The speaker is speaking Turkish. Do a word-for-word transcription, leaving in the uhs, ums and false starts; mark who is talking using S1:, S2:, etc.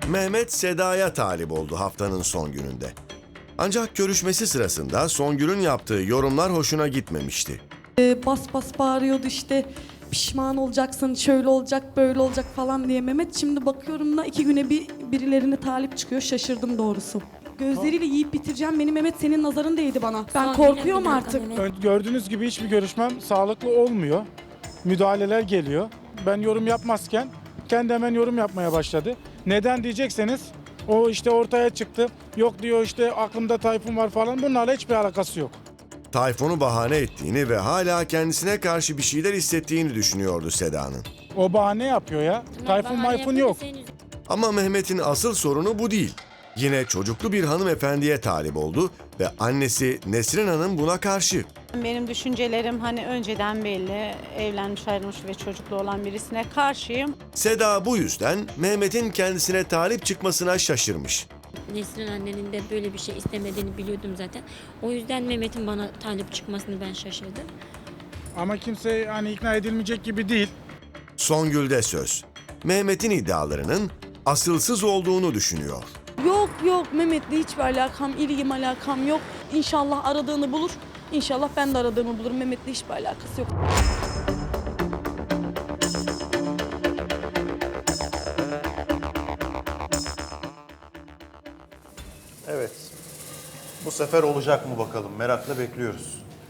S1: Mehmet Seda'ya talip oldu haftanın son gününde. Ancak görüşmesi sırasında Songül'ün yaptığı yorumlar hoşuna gitmemişti.
S2: Ee, bas bas bağırıyordu işte, pişman olacaksın, şöyle olacak, böyle olacak falan diye Mehmet. Şimdi bakıyorum da iki güne bir birilerine talip çıkıyor, şaşırdım doğrusu. Gözleriyle yiyip bitireceğim beni Mehmet, senin nazarın değdi bana. Ben
S3: Son
S2: korkuyorum
S3: güne bir
S2: artık.
S3: dakika Mehmet.
S4: Ön- Gördüğünüz gibi hiçbir görüşmem sağlıklı olmuyor. Müdahaleler geliyor. Ben yorum yapmazken kendi hemen yorum yapmaya başladı. Neden diyecekseniz o işte ortaya çıktı. Yok diyor işte aklımda Tayfun var falan, bunlarla hiçbir alakası yok.
S1: Tayfun'u bahane ettiğini ve hala kendisine karşı bir şeyler hissettiğini düşünüyordu Seda'nın.
S4: O bahane yapıyor ya. Tayfun
S3: Bahane
S4: mayfun
S3: yapıyor da
S4: yok.
S3: senin-
S1: Ama Mehmet'in asıl sorunu bu değil. Yine çocuklu bir hanımefendiye talip oldu ve annesi Nesrin Hanım buna karşı.
S5: Benim düşüncelerim hani önceden belli. Evlenmiş, ayrılmış ve çocuklu olan birisine karşıyım.
S1: Seda bu yüzden Mehmet'in kendisine talip çıkmasına şaşırmış.
S3: Nesrin annenin de böyle bir şey istemediğini biliyordum zaten. O yüzden Mehmet'in bana talip çıkmasını ben şaşırdım.
S4: Ama kimse hani ikna edilmeyecek gibi değil.
S1: Songül'de söz. Mehmet'in iddialarının asılsız olduğunu düşünüyor.
S2: Yok yok, Mehmet'le hiçbir alakam, ilgim alakam yok. İnşallah aradığını bulur. İnşallah ben de aradığımı bulurum. Mehmet'le hiçbir alakası yok.
S6: Evet. Bu sefer olacak mı bakalım? Merakla bekliyoruz.